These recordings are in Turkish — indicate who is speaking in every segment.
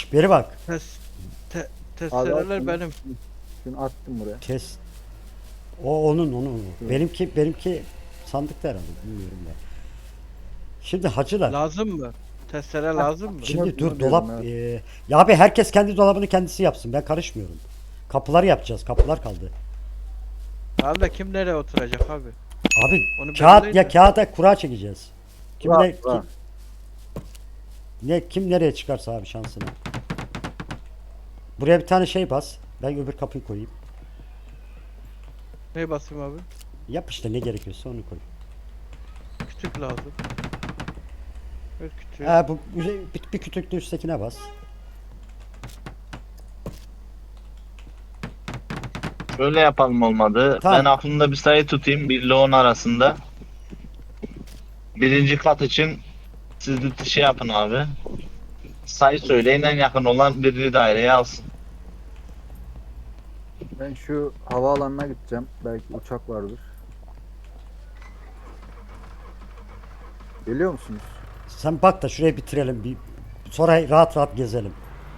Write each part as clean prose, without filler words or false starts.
Speaker 1: Beri bak.
Speaker 2: Te
Speaker 3: Abi
Speaker 2: testereler
Speaker 3: attım.
Speaker 2: benim.
Speaker 3: Şunu attım buraya.
Speaker 1: Test. O onun.
Speaker 3: Hı.
Speaker 1: Benimki sandıkta herhalde bilmiyorum ya. Şimdi hacılar.
Speaker 2: Lazım mı? Testere lazım mı?
Speaker 1: Şimdi dur
Speaker 3: Bunu diyorum,
Speaker 1: dolap.
Speaker 3: evet.
Speaker 1: Ya abi herkes kendi dolabını kendisi yapsın. Ben karışmıyorum. Kapıları yapacağız. Kapılar kaldı.
Speaker 2: Tamam da kim nereye oturacak abi?
Speaker 1: Abi
Speaker 2: Onu
Speaker 1: kağıt
Speaker 2: belirleyin
Speaker 1: ya
Speaker 2: de.
Speaker 1: kağıda kura çekeceğiz. Kim
Speaker 3: Kura,
Speaker 1: ne
Speaker 3: kura.
Speaker 1: kim nereye çıkarsa abi şansına. Buraya bir tane şey bas. Ben öbür kapıyı koyayım.
Speaker 2: Neye basayım abi?
Speaker 1: Yap işte ne gerekiyorsa onu koy.
Speaker 2: Kütük lazım. Evet kütüğü.
Speaker 1: Ha bu bir kütükle üsttekine bas.
Speaker 4: Şöyle yapalım olmadı.
Speaker 1: Tamam.
Speaker 4: Ben aklımda bir sayı tutayım. 1 ile 10 arasında. Birinci kat için siz de şey yapın abi. Sayı söyleyin, en yakın olan birini daireye alsın.
Speaker 3: Ben şu havaalanına gideceğim. Belki uçak vardır. Geliyor musunuz?
Speaker 1: Sen bak da şurayı bitirelim bir. Sonra rahat rahat gezelim.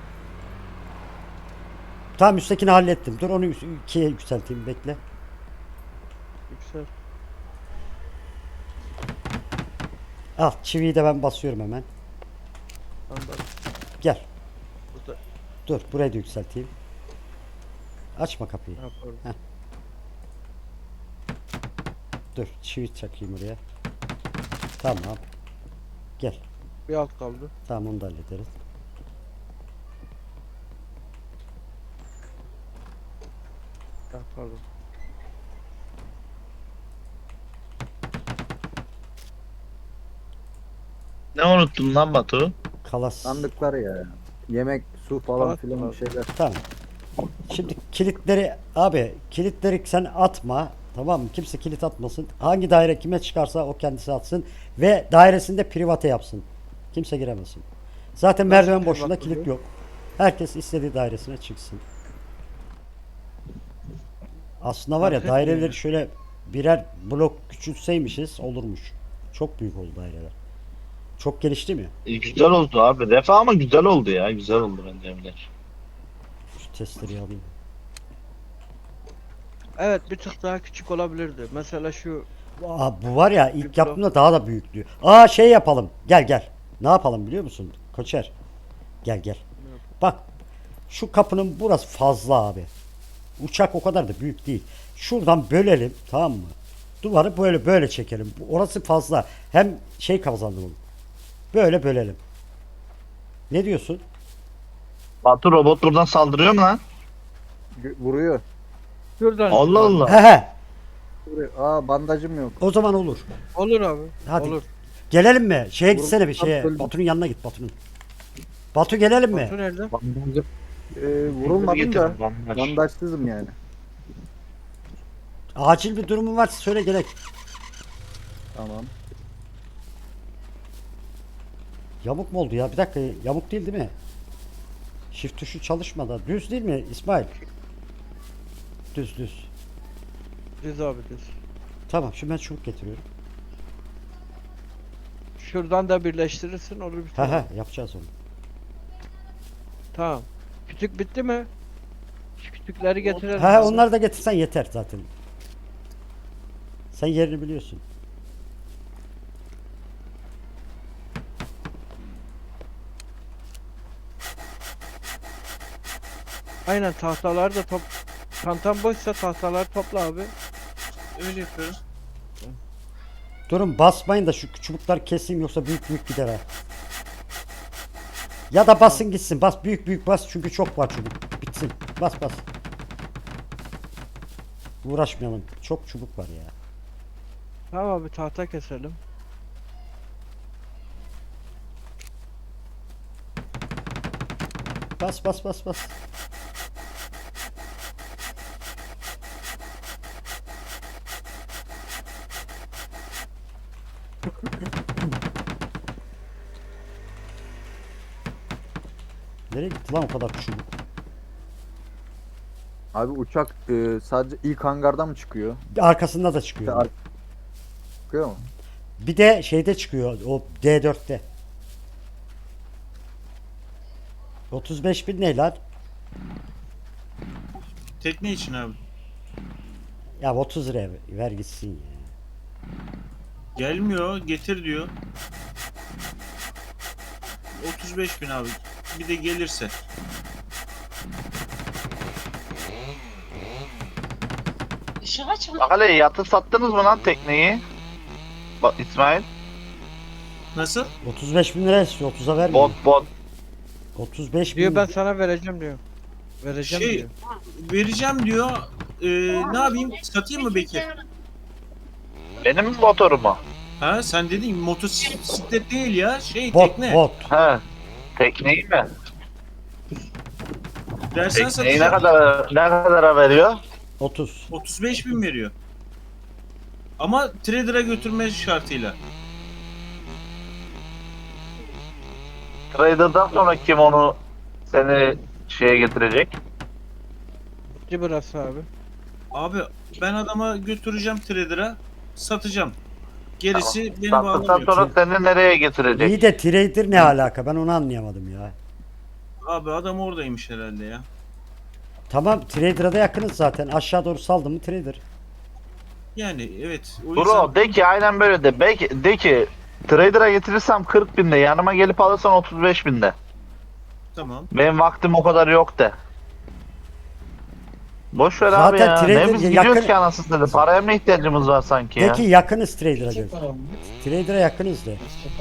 Speaker 1: Tamam üsttekini hallettim. Dur onu ikiye yükselteyim bekle.
Speaker 2: Yüksel.
Speaker 1: Al çiviyi de ben basıyorum hemen.
Speaker 2: Anladım.
Speaker 1: Gel.
Speaker 2: Burada
Speaker 1: Dur burayı da yükselteyim. Açma kapıyı.
Speaker 2: ne yapalım?
Speaker 1: Dur çivi çakayım oraya. Tamam. Gel.
Speaker 2: Bir alt kaldı.
Speaker 1: Tamam onu da hallederiz.
Speaker 2: Ha, pardon.
Speaker 4: Ne unuttun lan Batu?
Speaker 1: Kalas.
Speaker 3: Sandıklar ya. Yemek, su falan
Speaker 2: Evet,
Speaker 3: filan bir
Speaker 2: evet.
Speaker 3: şeyler.
Speaker 1: Tamam. Şimdi kilitleri sen atma. Tamam mı? Kimse kilit atmasın. Hangi daire kime çıkarsa o kendisi atsın. Ve dairesinde private yapsın. Kimse giremesin. Zaten merdiven boşluğunda
Speaker 2: private
Speaker 1: kilit
Speaker 2: bu?
Speaker 1: yok. Herkes istediği dairesine çıksın. Aslında var ya
Speaker 2: Fark
Speaker 1: daireleri
Speaker 2: etmiyor.
Speaker 1: şöyle birer blok küçültseymişiz olurmuş. Çok büyük oldu daireler. Çok gelişti mi?
Speaker 4: Güzel oldu abi. Defa ama güzel oldu ya. Güzel oldu bence Emler.
Speaker 1: Şu testleri alayım.
Speaker 2: Evet bir tık daha küçük olabilirdi. Mesela şu
Speaker 1: Bu var ya
Speaker 2: Bir
Speaker 1: ilk
Speaker 2: blok.
Speaker 1: yaptığımda daha da büyüktü. Aa şey yapalım. Gel. Ne yapalım biliyor musun? Koçer. Gel. Bak şu kapının burası fazla abi. Uçak o kadar da büyük değil. Şuradan bölelim tamam mı? Duvarı böyle çekelim. Orası fazla. Hem şey kazanalım. Böyle bölelim. Ne diyorsun?
Speaker 4: Batu robot buradan saldırıyor mu lan?
Speaker 3: Vuruyor.
Speaker 2: şuradan
Speaker 4: Allah Allah.
Speaker 1: He.
Speaker 3: Vuruyor. Aa bandajım yok.
Speaker 1: O zaman olur.
Speaker 2: olur abi.
Speaker 1: Hadi.
Speaker 2: Olur.
Speaker 1: Gelelim mi? Şeye
Speaker 3: Vur-
Speaker 1: gitsene bir şeye.
Speaker 3: Böldüm.
Speaker 1: Batu'nun yanına git Batu'nun. Batu gelelim mi?
Speaker 2: Batu nerede?
Speaker 3: Bandajım. Vurulmadım da
Speaker 4: Getirin, bandaj.
Speaker 3: bandajsızım yani.
Speaker 1: Acil bir durumun varsa söyle gerek.
Speaker 3: Tamam.
Speaker 1: Yamuk mu oldu ya? Bir dakika yamuk değil mi? Shift tuşu çalışmadan. Düz değil mi İsmail? Düz.
Speaker 2: Düz abi düz.
Speaker 1: Tamam şimdi ben çubuk getiriyorum.
Speaker 2: Şuradan da birleştirirsin olur bir tane.
Speaker 1: Yapacağız onu.
Speaker 2: Tamam. Kütük bitti mi? Şu kütükleri getirelim.
Speaker 1: Onları da getirsen yeter zaten. Sen yerini biliyorsun.
Speaker 2: Aynen tahtalar da çantam boşsa tahtalar topla abi. Öyle yapıyorum.
Speaker 1: Durun basmayın da şu çubuklar keseyim yoksa büyük gider ha. Ya da basın gitsin. Bas büyük bas çünkü çok var çubuk. Bitsin. Bas. Uğraşmayalım. Çok çubuk var ya.
Speaker 2: Tamam abi tahta keselim.
Speaker 1: Bas. Nereye gitti lan o kadar çubuk?
Speaker 3: Abi uçak sadece ilk hangardan mı çıkıyor?
Speaker 1: Arkasında da çıkıyor.
Speaker 3: Çıkıyor mu?
Speaker 1: Bir de şeyde çıkıyor o D4'te. 35 bin ne lan?
Speaker 5: Tekne için abi.
Speaker 1: Ya 30 liraya ver gitsin ya.
Speaker 5: Gelmiyor, getir diyor. 35 bin abi. Bir de gelirse.
Speaker 4: Bak hele yatı sattınız mı lan tekneyi? Bak İsmail.
Speaker 5: Nasıl?
Speaker 1: 35 bin lira istiyor 30'a vermiyor.
Speaker 4: Bot.
Speaker 1: 35 bin.
Speaker 2: Diyor ben sana vereceğim diyor. Vereceğim
Speaker 5: Şey,
Speaker 2: diyor.
Speaker 5: vereceğim diyor. Ne yapayım? Satayım mı Bekir?
Speaker 4: Benim motorum mu?
Speaker 5: Ha sen dedin motosiklet değil ya.
Speaker 1: Bot
Speaker 5: Tekne.
Speaker 1: bot.
Speaker 4: He. Tekneyi mi?
Speaker 5: Dersen
Speaker 4: Tekneyi
Speaker 5: satacağım.
Speaker 4: ne kadara veriyor?
Speaker 1: 30.
Speaker 5: 35 bin veriyor. Ama trader'a götürme şartıyla.
Speaker 4: Trader'dan sonra kim onu seni şeye getirecek?
Speaker 2: Bitti burası abi.
Speaker 5: Abi ben adama götüreceğim trader'a. Satacağım. Gerisi beni
Speaker 4: Sattıktan
Speaker 5: bağlamıyor.
Speaker 4: sonra seni nereye getirecek?
Speaker 1: İyi de trader ne alaka? Ben onu anlayamadım ya.
Speaker 5: Abi adam oradaymış herhalde ya.
Speaker 1: Tamam trader'a da yakınız zaten. Aşağı doğru saldım mı trader.
Speaker 5: Yani evet. O
Speaker 4: Bro
Speaker 5: yüzden
Speaker 4: de ki aynen böyle de. Belki de ki Trader'a getirirsem 40 binde, yanıma gelip alırsan 35 binde.
Speaker 5: tamam.
Speaker 4: Benim vaktim o kadar yok de. Boş ver abi
Speaker 1: Zaten
Speaker 4: ya.
Speaker 1: trader
Speaker 4: Ne biz
Speaker 1: yakın-
Speaker 4: gidiyoruz ki anasını dedi. Paraya mı ihtiyacımız var sanki
Speaker 1: De
Speaker 4: ya?
Speaker 1: ki yakınız trader'a göre. Trader'a yakınız de.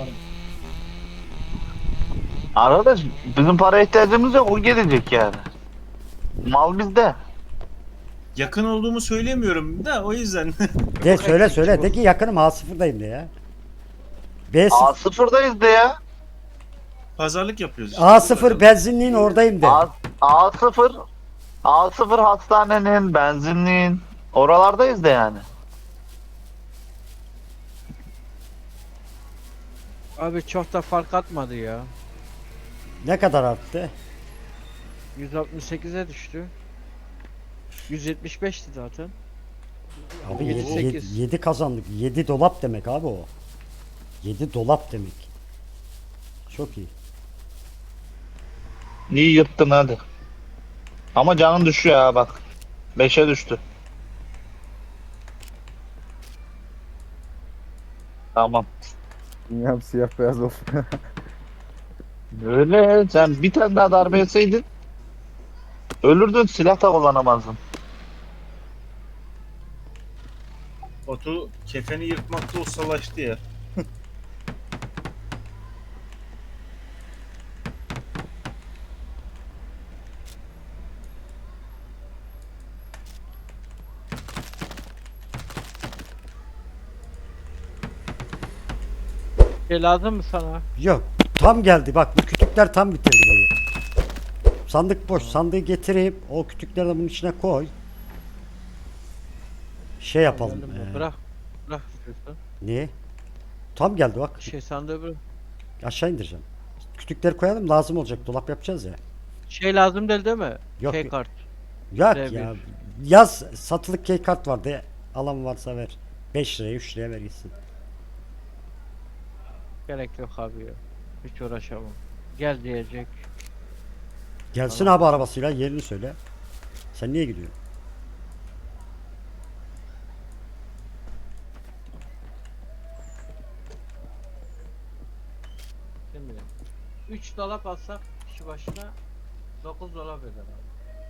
Speaker 4: Arkadaş bizim paraya ihtiyacımız yok, o gelecek yani. Mal bizde.
Speaker 5: Yakın olduğumu söylemiyorum da o yüzden.
Speaker 1: De söyle. De ki yakınım A0'dayım de ya. B0.
Speaker 4: A0'dayız de ya.
Speaker 5: Pazarlık yapıyoruz işte.
Speaker 1: A0 benzinliğin oradayım de.
Speaker 4: A0 A0 hastanenin, benzinliğin oralardayız da yani.
Speaker 2: Abi çok da fark atmadı ya.
Speaker 1: Ne kadar arttı?
Speaker 2: 168'e düştü. 175'ti zaten.
Speaker 1: Abi
Speaker 2: 7-8.
Speaker 1: 7 kazandık. 7 dolap demek abi o. 7 dolap demek. Çok iyi.
Speaker 4: İyi yırttın hadi. Ama canın düşüyor ha bak. 5'e düştü. Tamam.
Speaker 3: Dünyam siyah beyaz olsun.
Speaker 4: Öyle sen bir tane daha darbe etseydin ölürdün, silah da kullanamazdın.
Speaker 5: Batu kefeni yırtmakta ustalaştı ya.
Speaker 2: Şey lazım mı sana?
Speaker 1: Yok. Tam geldi. Bak bu kütükler tam bitirdi burayı. Sandık boş. Sandığı getireyim. O kütükleri de bunun içine koy. Şey yapalım.
Speaker 2: Geldim ben. Bırak. Bırak istiyorsan.
Speaker 1: Niye? Tam geldi bak.
Speaker 2: Şey sandığı bırak.
Speaker 1: Aşağı indireceğim. Kütükleri koyalım, lazım olacak. Dolap yapacağız ya.
Speaker 2: Şey lazım değil mi?
Speaker 1: Yok,
Speaker 2: Şey
Speaker 1: yok.
Speaker 2: kart.
Speaker 1: Yok
Speaker 2: R1.
Speaker 1: ya. Yaz satılık key kart vardı. Alan varsa ver. 5 liraya 3 liraya ver gitsin.
Speaker 2: Gerek yok abi ya. Hiç uğraşamam. Gel diyecek.
Speaker 1: Gelsin abi arabasıyla, yerini söyle. Sen niye gidiyorsun?
Speaker 2: Şimdi 3 dolap alsak kişi başına 9 dolap eder abi.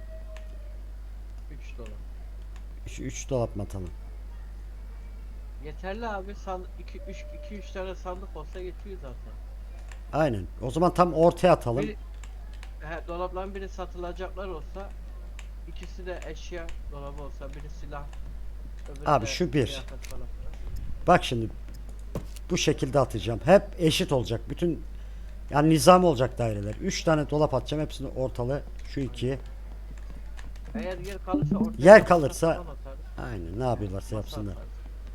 Speaker 2: 3 dolap.
Speaker 1: 3 dolap mı atalım?
Speaker 2: Yeterli abi. 2 3 tane sandık olsa yetiyor zaten.
Speaker 1: Aynen. O zaman tam ortaya atalım.
Speaker 2: Dolapların biri satılacaklar olsa, ikisi de eşya dolabı olsa, biri silah, öbürü
Speaker 1: Abi
Speaker 2: de
Speaker 1: şu bir.
Speaker 2: kıyafet falan.
Speaker 1: Bak şimdi bu şekilde atacağım. Hep eşit olacak. Bütün yani nizam olacak daireler. 3 tane dolap atacağım. Hepsini ortalı. Şu 2.
Speaker 2: Eğer yer kalırsa ortaya
Speaker 1: Yer
Speaker 2: masa
Speaker 1: kalırsa-
Speaker 2: falan atarız.
Speaker 1: Aynen. Ne yapıyorlarsa
Speaker 2: Masa
Speaker 1: yapsınlar.
Speaker 2: atarız.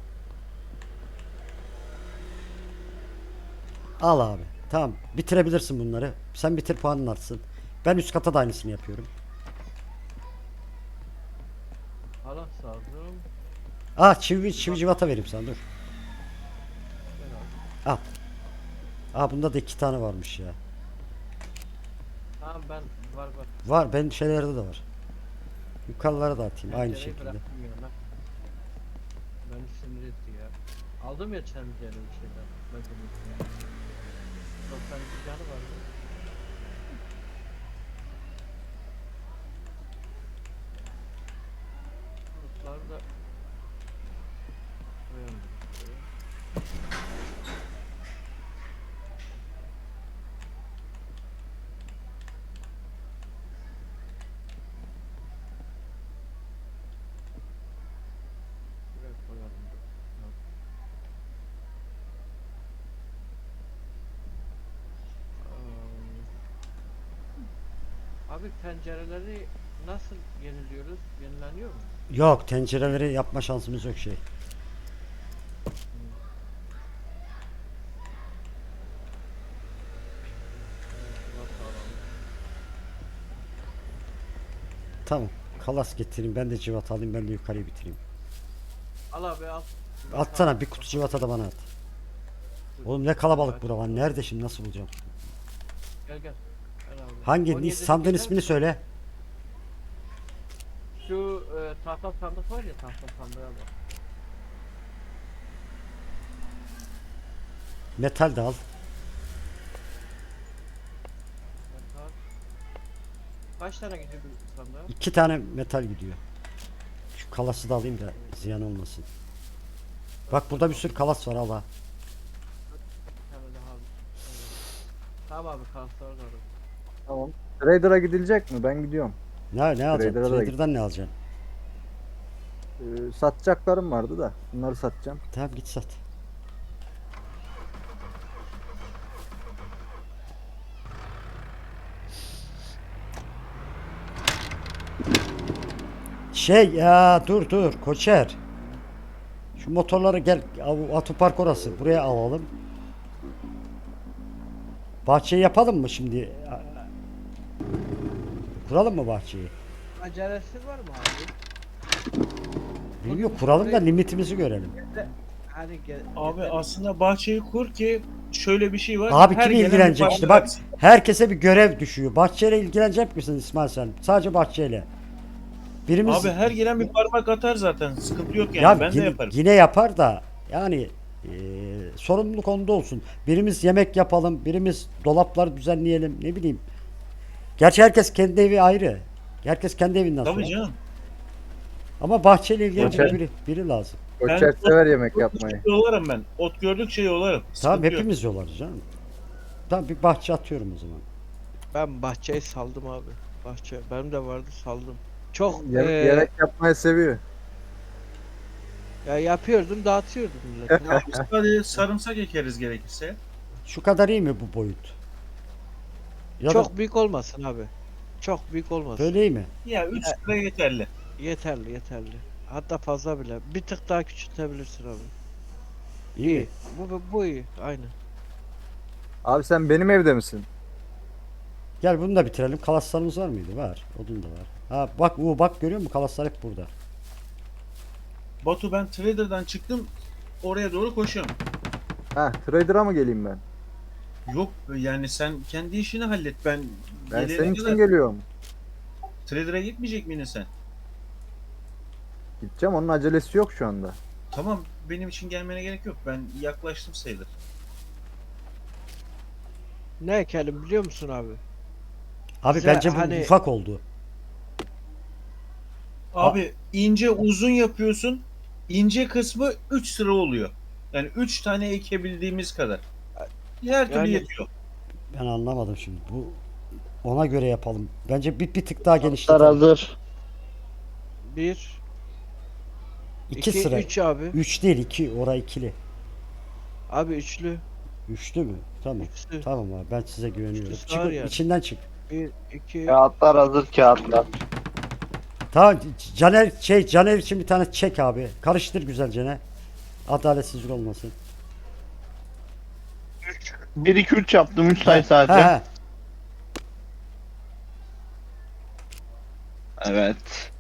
Speaker 1: Al abi. Tamam. Bitirebilirsin bunları. Sen bitir, puanın artsın. Ben üst kata da aynısını yapıyorum.
Speaker 2: Halat lazım.
Speaker 1: Çivi civata vereyim sana, dur.
Speaker 2: Ver abi.
Speaker 1: Bunda da 2 tane varmış ya.
Speaker 2: Ha Tamam ben var.
Speaker 1: Var, benim şeylerde de var. Yukarılara da atayım aynı
Speaker 2: Tencereyi
Speaker 1: şekilde.
Speaker 2: bıraktım yana. Beni sinir etti ya. Aldım ya tencere bir şeyler. Bakın. 92 canı vardı. Kurtlar da koyalım. Buraya koyalım. Abi pencereleri nasıl yeniliyoruz? Yenileniyor mu?
Speaker 1: Yok, tencereleri yapma şansımız yok şey. Tamam. Kalas getireyim. Ben de cıvat alayım. Ben de yukarıyı bitireyim.
Speaker 2: Al abi al.
Speaker 1: Atsana bir kutu cıvata da bana at. Oğlum ne kalabalık bura var. Nerede şimdi, nasıl bulacağım?
Speaker 2: Gel. Gel abi.
Speaker 1: Hangi
Speaker 2: 17'lik
Speaker 1: sandığın
Speaker 2: yeter
Speaker 1: ismini
Speaker 2: mi?
Speaker 1: söyle.
Speaker 2: Şu tahta sandık var ya, tahta sandığa bak.
Speaker 1: Metal de al.
Speaker 2: Metal. Kaç tane gidiyor bu sandığa?
Speaker 1: 2 tane metal gidiyor. Şu kalası da alayım da ziyan olmasın. Bak burada bir sürü kalas var, al ha.
Speaker 2: Bir tane daha al. Tamam abi kaslar var.
Speaker 3: Tamam. Trader'a gidilecek mi? Ben gidiyorum.
Speaker 1: Ne alacağım?
Speaker 3: Trader'a da
Speaker 1: Trader'dan ne alacaksın?
Speaker 3: Satacaklarım vardı da. Bunları satacağım.
Speaker 1: Tamam git sat. Şey ya, dur Koçer. Şu motorları gel, otopark orası, buraya alalım. Bahçeyi yapalım mı şimdi? Kuralım mı bahçeyi?
Speaker 2: Acelesi var mı abi?
Speaker 1: Bilmiyorum, kuralım da limitimizi görelim.
Speaker 2: Hani
Speaker 5: Abi aslında bahçeyi kur ki şöyle bir şey var.
Speaker 1: Abi
Speaker 5: her
Speaker 1: kim
Speaker 5: gelen
Speaker 1: ilgilenecek
Speaker 5: bir
Speaker 1: işte,
Speaker 5: parça
Speaker 1: bak herkese bir görev düşüyor. Bahçeyle ilgilenecek misin İsmail sen? Sadece bahçeyle. Birimiz
Speaker 5: Abi her gelen bir parmak atar zaten. Sıkıntı yok yani.
Speaker 1: ya
Speaker 5: Ben de
Speaker 1: yine,
Speaker 5: yaparım.
Speaker 1: yine yapar da yani sorumluluk onda olsun. Birimiz yemek yapalım, birimiz dolapları düzenleyelim, ne bileyim. Gerçi herkes kendi evi ayrı. Herkes kendi evinden
Speaker 5: Tabii
Speaker 1: sonra.
Speaker 5: canım.
Speaker 1: Ama bahçeyle ilgilenecek
Speaker 3: Koçer.
Speaker 1: biri lazım.
Speaker 3: Koçer sever yemek yapmayı.
Speaker 5: Yolarım ben. Ot gördükçe yolarım.
Speaker 1: Tamam,
Speaker 5: Sıkıntı yok.
Speaker 1: hepimiz yollarız canım. Tamam, bir bahçe atıyorum o zaman.
Speaker 2: Ben bahçeyi saldım abi. Bahçe benim de vardı, saldım. Çok
Speaker 3: Yemek yapmayı seviyor.
Speaker 2: ya yapıyordum, dağıtıyordum millete.
Speaker 5: Biz hadi sarımsak ekeriz gerekirse.
Speaker 1: Şu kadar iyi mi bu boyut? Ya da
Speaker 2: Çok büyük olmasın abi. Çok büyük olmasın.
Speaker 1: böyle iyi mi?
Speaker 5: Ya 3 lira yeterli.
Speaker 2: Yeterli. Hatta fazla bile. Bir tık daha küçültebilirsin abi.
Speaker 1: İyi mi?
Speaker 2: Bu iyi. Aynı.
Speaker 3: Abi sen benim evde misin?
Speaker 1: Gel bunu da bitirelim. Kalaslarımız var mıydı? Var. Odun da var. Ha bak, bak görüyor musun? Kalaslar hep burada.
Speaker 5: Batu ben Trader'dan çıktım. Oraya doğru koşuyorum.
Speaker 3: Trader'a mı geleyim ben?
Speaker 5: Yok yani sen kendi işini hallet. Ben
Speaker 3: Ben
Speaker 5: gelene
Speaker 3: senin
Speaker 5: kadar
Speaker 3: için geliyorum.
Speaker 5: Trader'a gitmeyecek miydin sen?
Speaker 3: Gideceğim, onun acelesi yok şu anda.
Speaker 5: Tamam benim için gelmene gerek yok. Ben yaklaştım sayılır.
Speaker 2: Ne ekelim biliyor musun abi?
Speaker 1: Abi
Speaker 2: Bize
Speaker 1: bence bu
Speaker 2: hani-
Speaker 1: ufak oldu.
Speaker 5: Abi ince uzun yapıyorsun. İnce kısmı 3 sıra oluyor. Yani 3 tane ekebildiğimiz kadar. Her türlü
Speaker 2: Yani-
Speaker 5: yetiyor.
Speaker 1: Ben anlamadım şimdi. Bu ona göre yapalım. Bence bir tık daha
Speaker 4: Atlar
Speaker 1: genişletelim.
Speaker 4: hazır.
Speaker 2: 1
Speaker 1: 2
Speaker 2: 2
Speaker 1: sıra.
Speaker 2: 3 abi.
Speaker 1: 3 değil, 2. Ora ikili.
Speaker 2: Abi üçlü.
Speaker 1: Üçlü mü? Tamam.
Speaker 2: Üçlü.
Speaker 1: Tamam abi, ben size güveniyorum.
Speaker 2: Üçlüsü
Speaker 1: Çık,
Speaker 2: var yani.
Speaker 1: içinden çık.
Speaker 2: 1 2
Speaker 4: Kağıtlar hazır kağıtlar.
Speaker 1: Tamam, Caner için bir tane çek abi. Karıştır güzelce ne. Adaletsizlik olmasın.
Speaker 4: 1 2 3 yaptım 3 sayı
Speaker 1: He,
Speaker 4: sadece.
Speaker 1: he.
Speaker 4: Evet.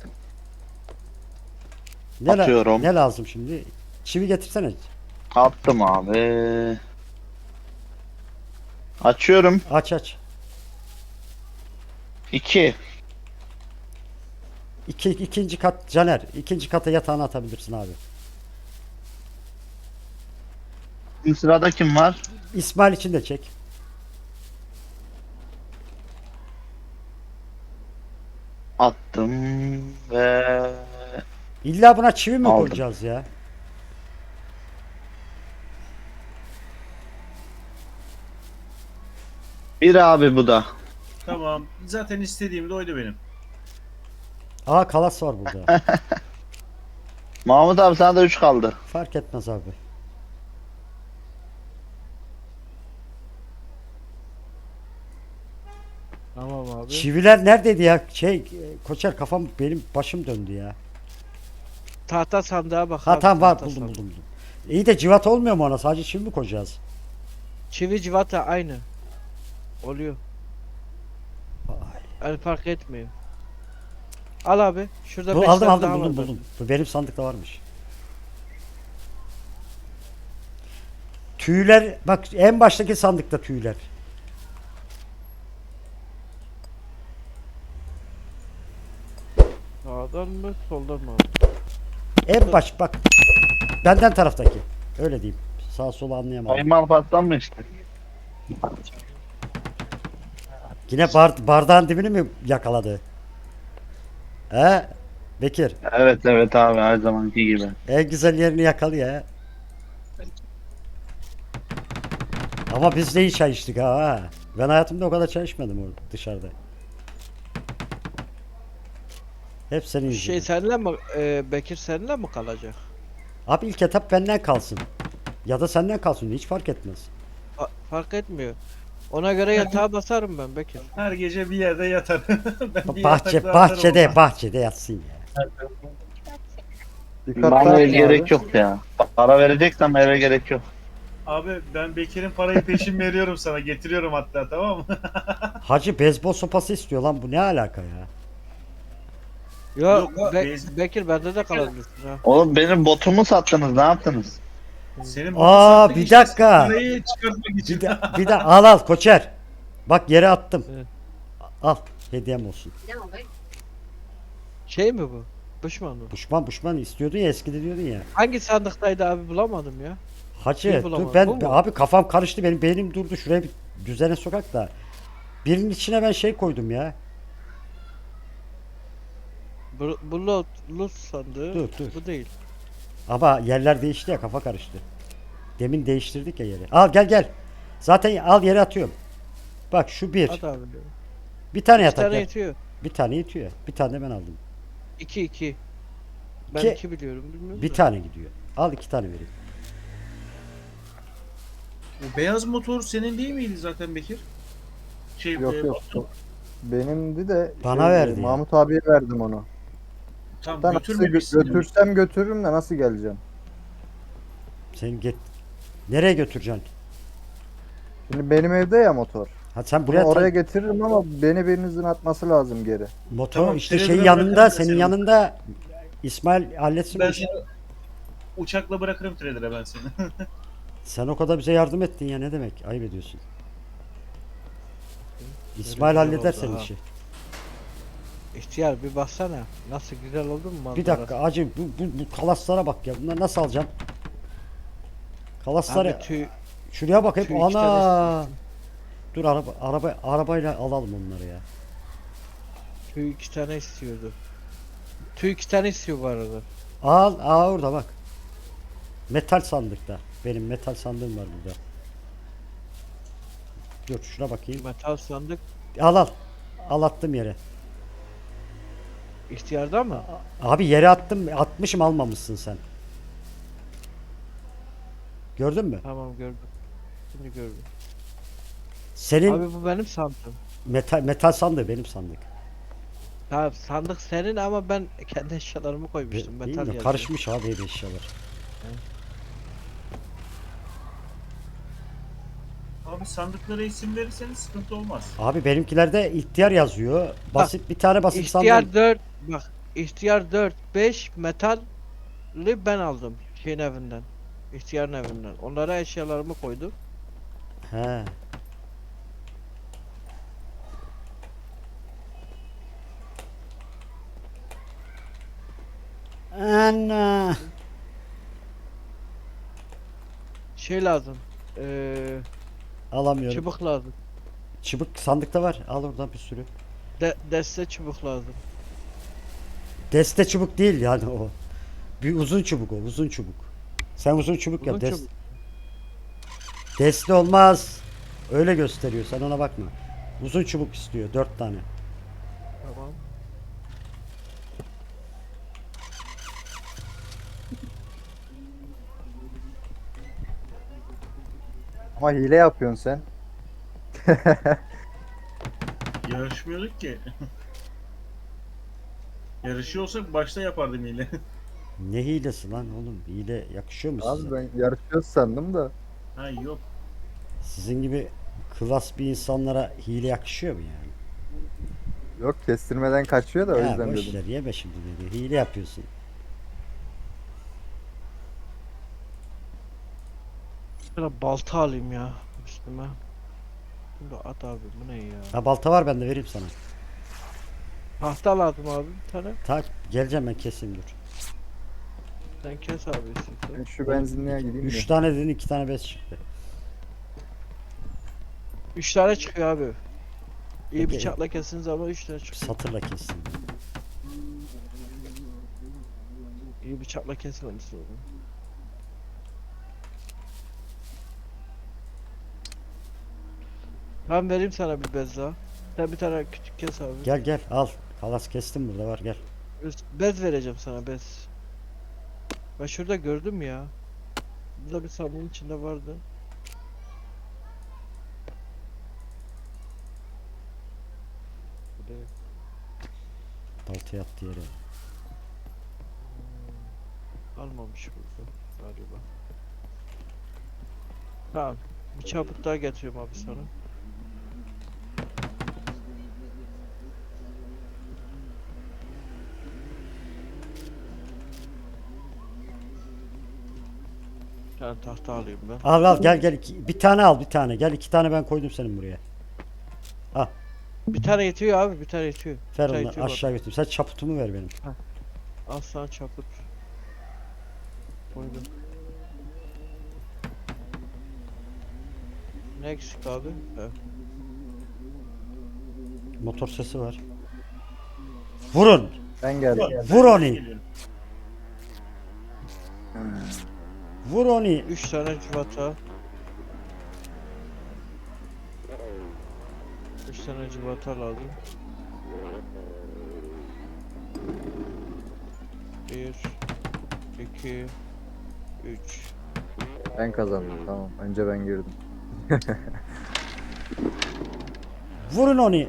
Speaker 1: Ne,
Speaker 4: Atıyorum.
Speaker 1: ne lazım şimdi? Çivi getirsene.
Speaker 4: Attım abi. Açıyorum.
Speaker 1: Aç.
Speaker 4: 2.
Speaker 1: İkinci kat Caner. İkinci kata yatağını atabilirsin abi.
Speaker 4: Bir sırada kim var?
Speaker 1: İsmail için de çek.
Speaker 4: Attım ve
Speaker 1: İlla buna çivi mi
Speaker 4: Aldım.
Speaker 1: koyacağız ya?
Speaker 4: bir abi bu da.
Speaker 5: Tamam. Zaten istediğim de oydu benim.
Speaker 1: Aa kalas var burada.
Speaker 4: Mahmut abi sana da 3 kaldı.
Speaker 1: Fark etmez abi.
Speaker 2: Tamam abi.
Speaker 1: Çiviler neredeydi ya? Koçer kafam benim başım döndü ya.
Speaker 2: Tahta sandığa bak
Speaker 1: Ha
Speaker 2: abi,
Speaker 1: tamam var
Speaker 2: tahta
Speaker 1: buldum
Speaker 2: sandığı.
Speaker 1: buldum. İyi de civat olmuyor mu ona? Sadece çivi mi koyacağız?
Speaker 2: Çivi civata aynı. Oluyor. Yani fark etmiyor. Al abi. Şurada
Speaker 1: Bu,
Speaker 2: 5
Speaker 1: aldım
Speaker 2: tane
Speaker 1: aldım
Speaker 2: daha
Speaker 1: buldum
Speaker 2: var
Speaker 1: buldum. Bu benim sandıkta varmış. Tüyler bak en baştaki sandıkta tüyler.
Speaker 2: Sağdan mı soldan mı abi?
Speaker 1: En baş bak. Benden taraftaki. Öyle diyeyim. Sağ sola anlayamadım.
Speaker 4: Ayman patlan mı işte?
Speaker 1: Yine bardağın dibini mi yakaladı? He? Bekir.
Speaker 4: Evet evet abi her zamanki gibi.
Speaker 1: En güzel yerini yakalıyor he. Ama biz de iyi çay içtik ha. Ben hayatımda o kadar çay içmedim orada dışarıda. Hep senin yüzünden.
Speaker 2: Şey seninle mi Bekir seninle mi kalacak?
Speaker 1: Abi ilk etap benden kalsın. Ya da senden kalsın. Hiç fark etmez.
Speaker 2: Fark etmiyor. Ona göre yatağa basarım ben Bekir.
Speaker 5: Her gece bir yerde yatar. Ben bir
Speaker 1: Bahçe,
Speaker 5: yatakta yatarım
Speaker 1: bahçede,
Speaker 5: ama.
Speaker 1: bahçede yatsın ya.
Speaker 3: Dikkat
Speaker 4: Bana
Speaker 3: dağıtma
Speaker 4: gerek
Speaker 3: abi.
Speaker 4: yok ya. Para vereceksem eve gerek yok.
Speaker 5: Abi ben Bekir'in parayı peşin veriyorum sana. Getiriyorum hatta, tamam mı?
Speaker 1: Hacı beyzbol sopası istiyor lan bu ne alaka ya?
Speaker 2: Yok,
Speaker 5: Yok, bez-
Speaker 2: Bekir bende de kalabilirsin ha.
Speaker 4: Oğlum benim botumu sattınız ne yaptınız?
Speaker 5: Senin
Speaker 1: Aa,
Speaker 5: sattık
Speaker 1: bir
Speaker 5: işte,
Speaker 1: dakika.
Speaker 5: parayı çıkartmak için.
Speaker 1: Bir de al koçer. Bak yere attım.
Speaker 2: Evet.
Speaker 1: Al hediyem olsun.
Speaker 2: Şey mi bu? Düşman mı?
Speaker 1: Buşman istiyordun ya eskide diyordun ya.
Speaker 2: Hangi sandıktaydı abi bulamadım ya.
Speaker 1: Hacı
Speaker 2: Şey
Speaker 1: dur
Speaker 2: bulamadım,
Speaker 1: ben
Speaker 2: bu mu?
Speaker 1: abi kafam karıştı benim beynim durdu şuraya bir düzene sokak da. Birinin içine ben şey koydum ya.
Speaker 2: Bu lot sandığı.
Speaker 1: Dur.
Speaker 2: Bu değil.
Speaker 1: Ama yerler değişti ya kafa karıştı. Demin değiştirdik ya yeri. Al gel. Zaten al yere atıyorum. Bak şu bir.
Speaker 2: Hadi abi.
Speaker 1: Bir tane
Speaker 2: Bir
Speaker 1: yatak.
Speaker 2: tane
Speaker 1: ya.
Speaker 2: yetiyor.
Speaker 1: Bir tane yetiyor. Bir tane de ben aldım.
Speaker 2: 2. Ben
Speaker 1: İki-
Speaker 2: 2 biliyorum bilmiyorum
Speaker 1: Bir
Speaker 2: da.
Speaker 1: tane gidiyor. Al 2 tane vereyim.
Speaker 5: O beyaz motor senin değil miydi zaten Bekir? Şey,
Speaker 3: Yok yok.
Speaker 5: Batu,
Speaker 3: Benimdi de
Speaker 1: Bana verdi ya.
Speaker 3: Mahmut abiye verdim onu.
Speaker 5: tam
Speaker 3: Ben nasıl
Speaker 5: götürmemişsin.
Speaker 3: götürsem götürürüm de nasıl geleceğim?
Speaker 1: Sen get. Nereye götüreceksin?
Speaker 3: Şimdi benim evde ya motor.
Speaker 1: Ha sen
Speaker 3: Bunu
Speaker 1: buraya
Speaker 3: oraya getiririm ama beni birinizin atması lazım geri.
Speaker 1: motor
Speaker 5: Tamam,
Speaker 1: işte
Speaker 5: seni
Speaker 1: şey
Speaker 5: bırak-
Speaker 1: yanında
Speaker 5: bırakırım
Speaker 1: senin
Speaker 5: seni.
Speaker 1: yanında İsmail halletsin bu
Speaker 5: Ben
Speaker 1: işi.
Speaker 5: seni uçakla bırakırım trader'e ben seni.
Speaker 1: Sen o kadar bize yardım ettin ya ne demek? Ayıp ediyorsun. İsmail
Speaker 2: güzel
Speaker 1: halleder
Speaker 2: oldu
Speaker 1: senin
Speaker 2: ha.
Speaker 1: işi.
Speaker 2: İhtiyar bir baksana. Nasıl güzel oldu mu manzara?
Speaker 1: Bir dakika acı bu kalaslara bak ya. Bunları nasıl alacağım? Kalasları
Speaker 2: Abi tüy,
Speaker 1: şuraya bak hep
Speaker 2: tüy iki tane
Speaker 1: ana. Dur arabayla alalım onları ya.
Speaker 2: tüy 2 tane istiyordu. Tüy 2 tane istiyor bu arada.
Speaker 1: Orada bak. Metal sandıkta. Benim metal sandığım var burada. Dur şuna bakayım.
Speaker 2: Metal sandık
Speaker 1: Al. Al attım yere.
Speaker 2: ihtiyarda mı?
Speaker 1: Abi yere attım. Atmışım almamışsın sen. Gördün mü?
Speaker 2: Tamam gördüm. Şimdi gördüm.
Speaker 1: Senin
Speaker 2: Abi bu benim sandığım.
Speaker 1: metal sandığı benim sandık.
Speaker 2: Tamam sandık senin ama ben kendi eşyalarımı koymuştum.
Speaker 1: Değil
Speaker 2: Metal
Speaker 1: mi?
Speaker 2: yazıyor.
Speaker 1: Karışmış abi ev eşyalar.
Speaker 5: Abi sandıklara isim verirseniz sıkıntı olmaz.
Speaker 1: Abi benimkilerde ihtiyar yazıyor. Basit bir tane basit sandık.
Speaker 2: İhtiyar 4 bak. İhtiyar 4 5 metalli ben aldım şeyin evinden. İhtiyarın evinden. Onlara eşyalarımı koydum.
Speaker 1: He. Ana.
Speaker 2: Şey lazım.
Speaker 1: Alamıyorum.
Speaker 2: Çubuk lazım.
Speaker 1: Çubuk sandıkta var. Al oradan bir sürü.
Speaker 2: Deste çubuk lazım.
Speaker 1: Deste çubuk değil yani o. Bir uzun çubuk o. Uzun çubuk. Sen uzun çubuk yap.
Speaker 2: Uzun çubuk.
Speaker 1: Deste olmaz. Öyle gösteriyor. Sen ona bakma. Uzun çubuk istiyor. 4 tane.
Speaker 2: Tamam.
Speaker 3: Ama hile yapıyorsun sen.
Speaker 5: Yarışmıyorduk ki. Yarışıyor olsak başta yapardım yine.
Speaker 1: Ne hilesi lan oğlum? Hile yakışıyor mu size?
Speaker 3: Abi ben yarışıyoruz sandım da.
Speaker 5: Ha yok.
Speaker 1: Sizin gibi klas bir insanlara hile yakışıyor mu yani?
Speaker 3: Yok kestirmeden kaçıyor da o
Speaker 1: Ya
Speaker 3: yüzden
Speaker 1: boş
Speaker 3: dedim.
Speaker 1: ver yeme şimdi dedi. Hile yapıyorsun.
Speaker 2: Şöyle balta alayım ya üstüme. Şimdi at abi bu ne ya?
Speaker 1: Ha balta var bende vereyim sana.
Speaker 2: Tahta lazım abi bir tane.
Speaker 1: Tak geleceğim ben keseyim dur.
Speaker 2: Sen kes abi
Speaker 3: Ben
Speaker 2: istiyorsan.
Speaker 3: şu benzinliğe gideyim
Speaker 1: 3
Speaker 3: de.
Speaker 1: tane dedin 2 tane bez çıktı.
Speaker 2: 3 tane çıkıyor abi. İyi
Speaker 1: Peki.
Speaker 2: bıçakla kesiniz ama 3 tane çıkıyor.
Speaker 1: Satırla kestim.
Speaker 2: İyi bıçakla kesmemişsin onu. Ben vereyim sana bir bez daha. Sen bir tane küçük kes abi.
Speaker 1: Gel gel al. Kalas kestim burada var gel.
Speaker 2: Bez vereceğim sana bez. Ben şurada gördüm ya. Burada bir sandığın içinde vardı. Burada yok.
Speaker 1: Balta yattı yere.
Speaker 2: Almamış burada galiba. Tamam. Bir çaput daha getiriyorum abi sana. Bir tane tahta alayım ben.
Speaker 1: Al al gel gel bir tane al bir tane. Gel 2 tane ben koydum senin buraya.
Speaker 2: Bir tane yetiyor abi, bir tane yetiyor.
Speaker 1: Ver
Speaker 2: Bir tane
Speaker 1: onları
Speaker 2: yetiyor bak.
Speaker 1: aşağı götür. Sen çaputumu ver benim.
Speaker 2: Al sana çaput. Koydum. Ne eksik abi? Evet.
Speaker 1: Motor sesi var. Vurun.
Speaker 3: Ben geldim.
Speaker 1: Vur onu.
Speaker 5: Geliyorum.
Speaker 1: Vur onu.
Speaker 2: 3 tane civata. 3 tane civata lazım. 1 2 3
Speaker 3: Ben kazandım tamam. Önce ben girdim.
Speaker 1: Vurun onu.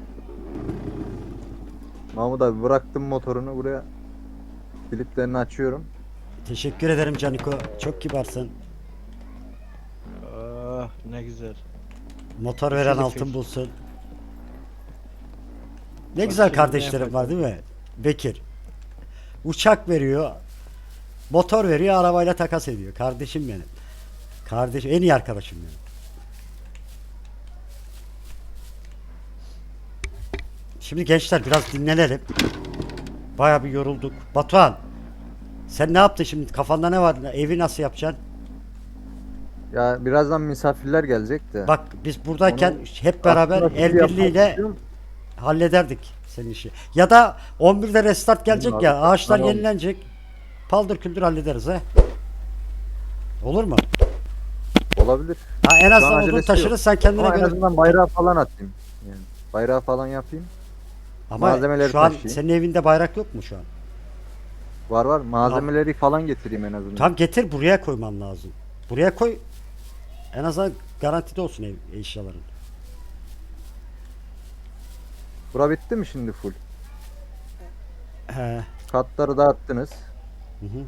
Speaker 3: Mahmut abi bıraktım motorunu buraya. Kilitlerini açıyorum.
Speaker 1: Teşekkür ederim Caniko. Çok kibarsın.
Speaker 2: Ah ne güzel.
Speaker 1: Motor veren
Speaker 2: Şöyle
Speaker 1: altın
Speaker 2: fil.
Speaker 1: bulsun. Ne
Speaker 2: Bak
Speaker 1: güzel
Speaker 2: şimdi ne
Speaker 1: kardeşlerim var değil mi? Bekir. Uçak veriyor. Motor veriyor, arabayla takas ediyor. Kardeşim benim. Kardeşim, en iyi arkadaşım benim. Şimdi gençler biraz dinlenelim. Bayağı bir yorulduk. Batuhan, sen ne yaptın şimdi? Kafanda ne var? Evi nasıl yapacaksın?
Speaker 3: Ya birazdan misafirler gelecek de.
Speaker 1: Bak biz buradayken
Speaker 3: Onu
Speaker 1: hep beraber
Speaker 3: aslında
Speaker 1: el
Speaker 3: full yapmak
Speaker 1: birliğiyle
Speaker 3: istiyorum.
Speaker 1: hallederdik senin işi. Ya da 11'de restart gelecek
Speaker 3: Abi,
Speaker 1: ya, ağaçlar
Speaker 3: tamam.
Speaker 1: yenilenecek. Paldır küldür hallederiz he. Olur mu?
Speaker 3: Olabilir.
Speaker 1: Ha, en
Speaker 3: Şu an
Speaker 1: azından odun
Speaker 3: acelesi
Speaker 1: taşırız
Speaker 3: yok.
Speaker 1: sen kendine
Speaker 3: Ama en
Speaker 1: göre.
Speaker 3: azından bayrağı falan atayım. Yani bayrağı falan yapayım.
Speaker 1: Ama
Speaker 3: malzemeleri
Speaker 1: şu an
Speaker 3: taşıyayım.
Speaker 1: senin evinde bayrak yok mu şu an?
Speaker 3: Var var. Malzemeleri falan getireyim en azından.
Speaker 1: Tam getir buraya koyman lazım. Buraya koy. En azından garantide olsun eşyaların.
Speaker 3: Bura bitti mi şimdi full?
Speaker 1: He.
Speaker 3: Katları dağıttınız.
Speaker 1: Hı hı.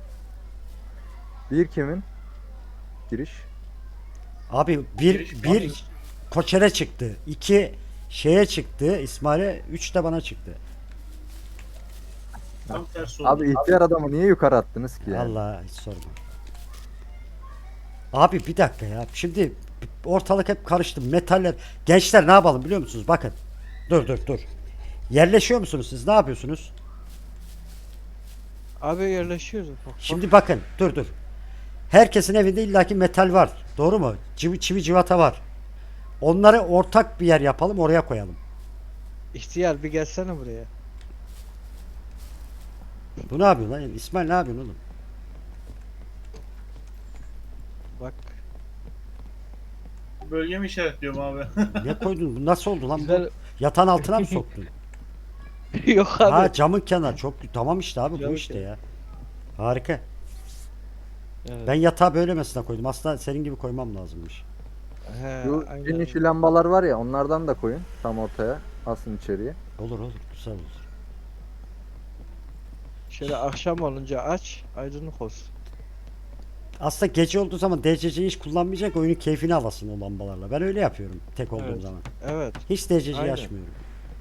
Speaker 3: Bir kimin? Giriş.
Speaker 1: Abi
Speaker 5: Giriş
Speaker 1: bir Koçer'e çıktı. 2 şeye çıktı. İsmail'e 3 de bana çıktı.
Speaker 5: Tam tersi oldu.
Speaker 3: Abi ihtiyar adamı niye yukarı attınız ki ya?
Speaker 1: Allah hiç sorma. Abi bir dakika ya. Şimdi ortalık hep karıştı. Metaller. Gençler ne yapalım biliyor musunuz? Bakın. Dur. Yerleşiyor musunuz siz? Ne yapıyorsunuz?
Speaker 2: Abi yerleşiyoruz. Bak,
Speaker 1: Şimdi bakın dur. Herkesin evinde illaki metal var. Doğru mu? Çivi civata var. Onları ortak bir yer yapalım, oraya koyalım.
Speaker 2: İhtiyar bir gelsene buraya.
Speaker 1: Bu ne yapıyor lan? İsmail ne yapıyorsun oğlum?
Speaker 2: Bak.
Speaker 5: Bölge mi işaretliyorum abi?
Speaker 1: Ne koydun? Bu nasıl oldu lan bu?
Speaker 2: Güzel.
Speaker 1: Yatağın altına mı soktun?
Speaker 2: Yok abi.
Speaker 1: Ha camın kenarı çok tamam işte abi bu
Speaker 2: Camın
Speaker 1: işte
Speaker 2: kenarı.
Speaker 1: ya. Harika.
Speaker 2: Evet.
Speaker 1: Ben yatağı böylemesine koydum. Aslında senin gibi koymam lazımmış.
Speaker 2: He,
Speaker 3: Şu
Speaker 2: aynen.
Speaker 3: gün işi lambalar var ya, onlardan da koyun tam ortaya. Asın içeriye.
Speaker 1: Olur güzel olur.
Speaker 2: Şöyle akşam olunca aç, aydınlık olsun.
Speaker 1: Aslında gece olduğu zaman DCC'yi hiç kullanmayacak, oyunun keyfini alasın o lambalarla. Ben öyle yapıyorum tek olduğum
Speaker 2: Evet.
Speaker 1: zaman.
Speaker 2: Evet.
Speaker 1: Hiç DCC'yi
Speaker 2: Aynen.
Speaker 1: açmıyorum.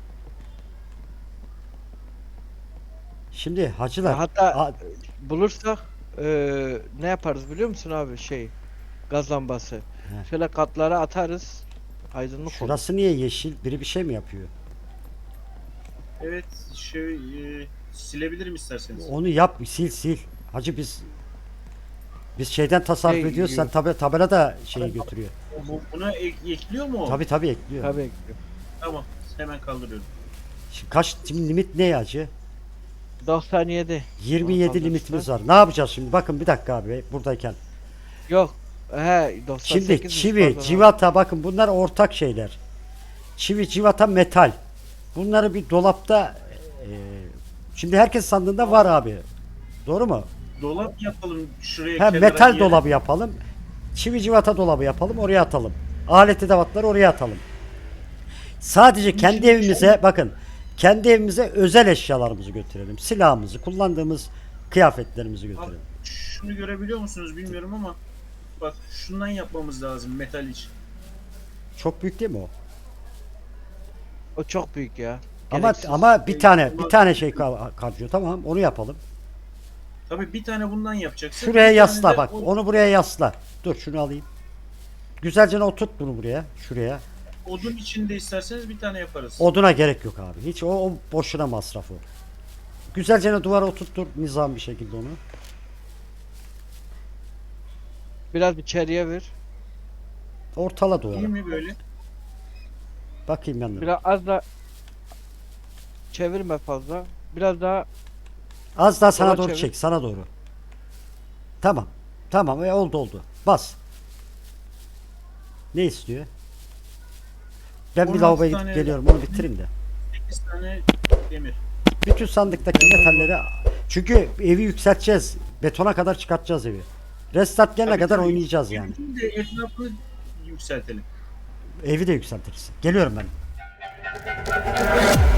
Speaker 1: Şimdi hacılar.
Speaker 2: Hatta
Speaker 1: a-
Speaker 2: bulursak ne yaparız biliyor musun abi gaz lambası.
Speaker 1: He.
Speaker 2: Şöyle katlara atarız. Aydınlık olur.
Speaker 1: şurası niye yeşil? Biri bir şey mi yapıyor?
Speaker 5: Evet, silebilirim isterseniz.
Speaker 1: Onu yap, sil. Hacı biz şeyden tasarruf
Speaker 2: Şey,
Speaker 1: ediyoruz. Sen tabela da şeyi götürüyor.
Speaker 5: Buna ekliyor mu o?
Speaker 1: Tabii ekliyor.
Speaker 2: Tabii.
Speaker 5: Tamam, hemen kaldırıyorum.
Speaker 1: Şimdi limit ne hacı?
Speaker 2: 97.
Speaker 1: 27
Speaker 2: Ortamda
Speaker 1: limitimiz
Speaker 2: işte.
Speaker 1: var. Ne yapacağız şimdi? Bakın bir dakika abi buradayken.
Speaker 2: Yok. He 98.
Speaker 1: Şimdi çivi,
Speaker 2: pardon
Speaker 1: civata bakın bunlar ortak şeyler. Çivi, civata, metal. Bunları bir dolapta şimdi herkes sandığında var abi. Doğru mu?
Speaker 5: Dolap yapalım şuraya
Speaker 1: Ha,
Speaker 5: kenara
Speaker 1: metal
Speaker 5: bir yere.
Speaker 1: dolabı yapalım. Çivi, civata dolabı yapalım. Oraya atalım. Alet edevatları oraya atalım. Sadece kendi
Speaker 5: şimdi
Speaker 1: evimize bakın. Kendi evimize özel eşyalarımızı götürelim. Silahımızı, kullandığımız kıyafetlerimizi
Speaker 5: Bak,
Speaker 1: götürelim.
Speaker 5: şunu görebiliyor musunuz bilmiyorum ama bak şundan yapmamız lazım metal için.
Speaker 1: Çok büyük değil mi o?
Speaker 2: O çok büyük ya.
Speaker 1: Ama
Speaker 2: Gereksiz.
Speaker 1: ama bir tane şey kalıyor. Tamam, onu yapalım.
Speaker 5: Tabii bir tane bundan yapacaksın.
Speaker 1: Şuraya
Speaker 5: bir tane
Speaker 1: yasla
Speaker 5: de
Speaker 1: bak. Onu buraya yasla. Dur şunu alayım. Güzelce oturt bunu buraya. Şuraya.
Speaker 5: odun içinde isterseniz bir tane yaparız.
Speaker 1: Oduna gerek yok abi. Hiç o boşuna masraf o. Güzelce duvara oturttur nizam bir şekilde onu.
Speaker 2: Biraz içeriye ver.
Speaker 1: Ortala duvara.
Speaker 5: İyi mi böyle?
Speaker 1: Bakayım yanına.
Speaker 2: Biraz az da çevirme fazla. Biraz daha
Speaker 1: Az daha sana
Speaker 2: Sola
Speaker 1: doğru
Speaker 2: çevir.
Speaker 1: çek. Sana doğru. Tamam. Tamam. Oldu. Bas. Ne istiyor? Ben bir
Speaker 5: 16
Speaker 1: lavaboya gidip
Speaker 5: tane-
Speaker 1: geliyorum. Onu bitireyim de.
Speaker 5: 8 tane demir.
Speaker 1: Bütün sandıktaki metalleri çünkü evi yükselteceğiz. Betona kadar çıkartacağız evi. Restart gelene
Speaker 5: Tabii,
Speaker 1: kadar
Speaker 5: tabii.
Speaker 1: oynayacağız yani.
Speaker 5: Şimdi etrafını yükseltelim.
Speaker 1: Evi de yükseltiriz. Geliyorum ben.